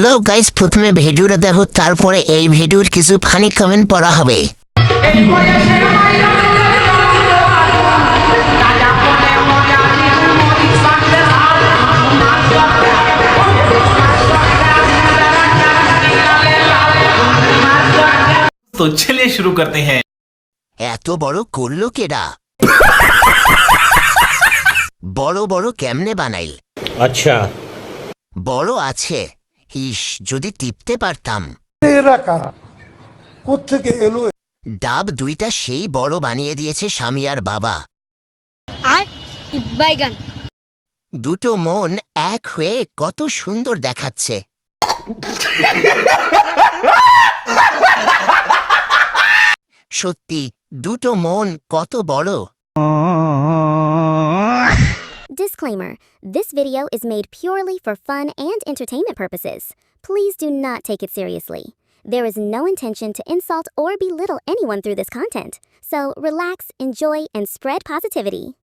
Hello guys, প্রথমে ভিডিওটা দেখো, তারপরে এই ভিডিওর কিছু ফানি কমেন্ট পড়া হবে। तो चलिए शुरू करते हैं। এত বড় করলো কেডা? বড় বড় কেমনে বানাইল? अच्छा বড় আছে, ইস যদি টিপতে পারতাম। এরা কারা, কোত্থেকে এলো? ডাব দুইটা সেই বড় বানিয়ে দিয়েছে স্বামী আর বাবা। আর বাইগান দুটো মন এক হয়ে কত সুন্দর দেখাচ্ছে। সত্যি দুটো মন কত বড়। Disclaimer: this video is made purely for fun and entertainment purposes. Please do not take it seriously. There is no intention to insult or belittle anyone through this content. So relax, enjoy, and spread positivity.